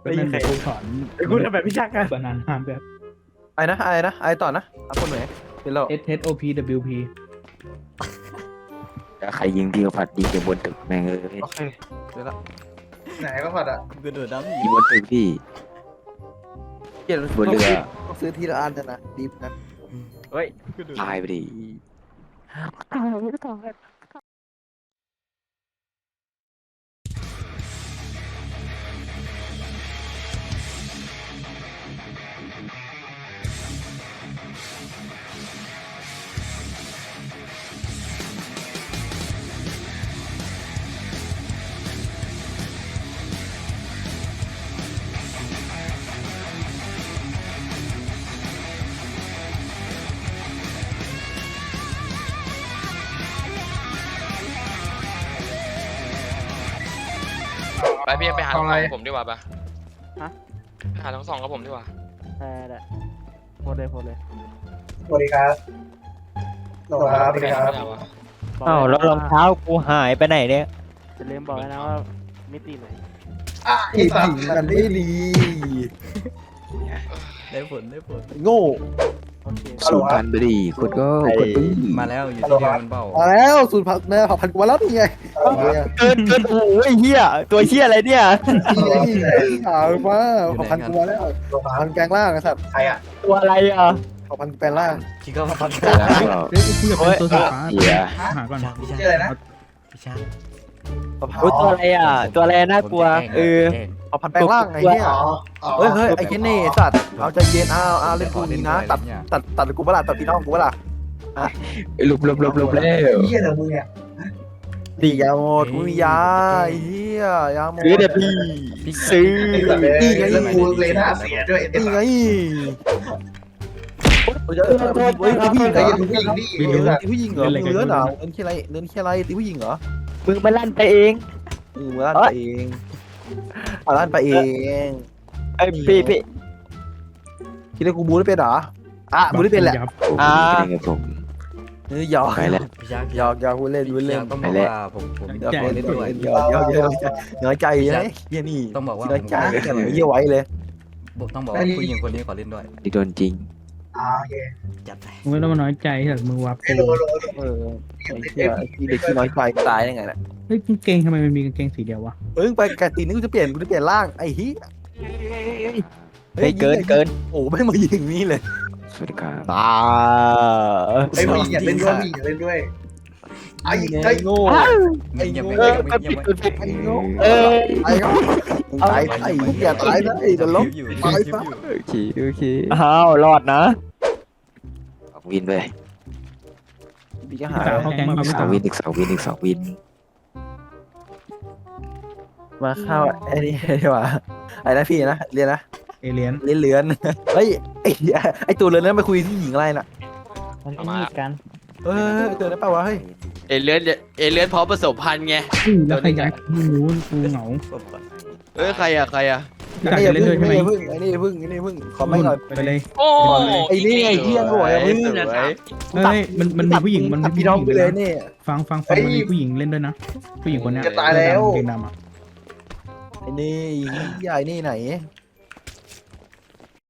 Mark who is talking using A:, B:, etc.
A: ก็นั่นแบบสอน
B: ไอ้คุณทำแบบพี่ชักอะ
A: บานาน่าแบบ
B: ไอ้นะไอ้ต่อนะเอาคนไหนเดี๋ยวเรา
A: S H O P W P
C: แล้วใครยิงพี่ก็ผัดยิงจากบนตึกแม่งเอ้ย
B: โอเคเดี๋ยวละ
D: ไหนก็ผัดอ่ะ
E: กูกระโดดน้ำ
C: ยิงบนตึกพี่
B: เกียร
C: บนเรือ
B: ต้องซื้อทีละอันนะดีเหมือนกันเฮ้ย
C: ตายไปดิ
F: ไปพี่ไปหาทั้งสองกับผมดีกว่าปะ
B: ฮะ
F: หาทั้งสองกับผมดีกว่า
B: ได้โพสเลย
D: สวัสดีครับสวัสดีครับสวัสดีครับ
F: ไม่เอาวะ
E: อ้าวแล้วรองเท้ากูหายไปไหนเนี่ย
B: จะลืมบอกนะว่ามิติไหน
D: อีสัตว์
B: มันไม่ดี
E: ได้ผล
B: โง่โอเค
C: สู้กันไปดิกดก็กดปึ้ง
E: มาแล้วอยู่ที่เดิมมันเปล่า
B: มาแล้วสูตรผักแม่ผักพันกว่าแล้วนี่ไง
E: เกินโอ้ยเฮียตัวเฮียอะไรเนี่ย
B: นี่ถามว่าผักพันกว่าแล้วผักพันแปลงร่างนะสัตว์
D: ใครอ่ะ
E: ตัวอะไรอ่ะ
B: ผักพันแปลงร่าง
E: คิดก็พัน
C: เจอแล้วเปล่า
A: เฮ้ยกูอยากเป็นตัวสีฟ้า
C: เหี้ย
A: หาก่อน
E: พี่ชา
D: ชื่ออะไรนะ
E: พี่ชา
B: ผักพัน
E: ตัวอะไรอ่ะ ตัวอะไรน่ากลัว
B: ผักพันแปลงร่างไงเนี่ย
D: อ๋ออ๋อ
B: เฮ้ยไอ้เจนนี่สัตว์เอาใจเย็นเอาเล่นกูนี่นะตัดกูเปล่าตัดพี่น้องกูเปล่า
C: หลบแล้ว
D: เหี้ยเดี๋ยวมึงเนี่ย
B: ดียาหมดกูมียาไอ้เหี้ยยาหมด
E: ซื้อเดี๋ยวพี่ซื้อ
D: ไอ้สัตว์เลย
B: นี่ไง
D: แล้วกูเลน่าเสียด้วยไอ้
B: นี่
D: สัต
B: ไง
D: ว์
B: เฮ้ยตีผู้หญิง
D: ไอ้
B: เหรอ
D: ยังวิ่งดิไอ้สัตว์
B: ตีผู้หญิงเหรอมึงเลื้อนเหรอเลื้อนแค่ไรเลื้อนแค่ไรตีผู้หญิงเหรอ
E: มึงมาลั่นไปเอง
B: มึงลั่นไปเองเอาลั่นไปเอง
E: ไอ้พี่
B: คิดว่ากูบูได้เป็นเหรอบูได้เป็นแหละ
A: ยับ
C: ครับผม
B: หยอก
C: ไปแล้ว
E: พี่ชา
B: หยอกพูดเล่นพูดเล่น
E: ต้องบอกว่าผมอยากเล่นด้วย
B: หยอกน้อยใจนะเฮียนี่
E: ต้องบอกว่า
B: น้อยใจเฮียไว้เลย
E: ต้องบอกว่าผู้หญิงคนนี้ขอเล่นด้วย
C: นี่โดนจริง
D: อ่าโอเค
E: จัดไป
A: มึงไม่ต้องมาน้อยใจแต่มึงวับ
D: ไอ้
A: กู
D: โล
B: เออไอ้เฮียเด็กที่น้อยใจตายได้ไงน่ะ
A: เฮ้ยกางเกงทำไมมันมีกางเกงสีเดียววะ
B: ไปกาตีนี่กูจะเปลี่ยนร่างไอ้เฮีย
E: เฮ้ยเกิน
B: โอ้ไม่มายิงนี่เลย
C: สวัสดีครับ
E: บ้า
D: ไอ้ผู้หญิงอยากเล่นด้วยผู้หญิงอยากเล่นด้วยไอ้
B: ไอ้โง่
E: ไอ้เงียบ
B: เออ
E: เงียบ
B: ไอ้โง่
E: เออ
B: ไอ้โง่ตายไอ้เหี้ยตายนะไอ้ตลก
C: โอเค
E: อ้าวรอดนะ
C: ออกวินไป
B: พี่ก็หา
A: สาวเข้าแก๊งมา
C: อีก
A: ไม่
C: สอ
A: สาง ว
C: วินอีกสองวินอีกสองวิน
B: มาเข้าไอ้นี่ดีกว่าไอ้นะพี่นะเรียนนะ
A: เอเลียน
B: เรียนเรือนเฮ้ยไอ้ตัวเรือนนั้นไปคุยที่หญิงอะไรน่ะ
A: มันไอ้นี่กัน
B: เออเจอได้ป่าวะเฮ้ย
G: เอเลียนพร้อมผสมพันธุ์ไง
A: แล้วใครย้ายมึงรู้กูเหงา
G: เอ้ยใครอะ
A: พี่อยากจะเล่นด้วยใช่ไหม
B: ไอ้นี่พึ่งขอไม่หน่อย
A: ไปเลย
F: โอ้
B: ไอ้นี่ไอ้เหี้ยโง่ไอ้มึง
A: เฮ้ยมันมีผู้หญิงมันมี
B: พี่
A: ผู้
B: น้อง
A: หญิง
B: ไป
A: ด้
B: เล
A: วย
B: ย
A: นะ
B: นี่
A: ฟังมันมีผู้หญิงเล่นด้วยนะผู้หญิงคนเนี้ย
D: จะตายแล้ว
A: เกงดำอ่ะ
B: ไอ้นี่ไอ้นี่ไหน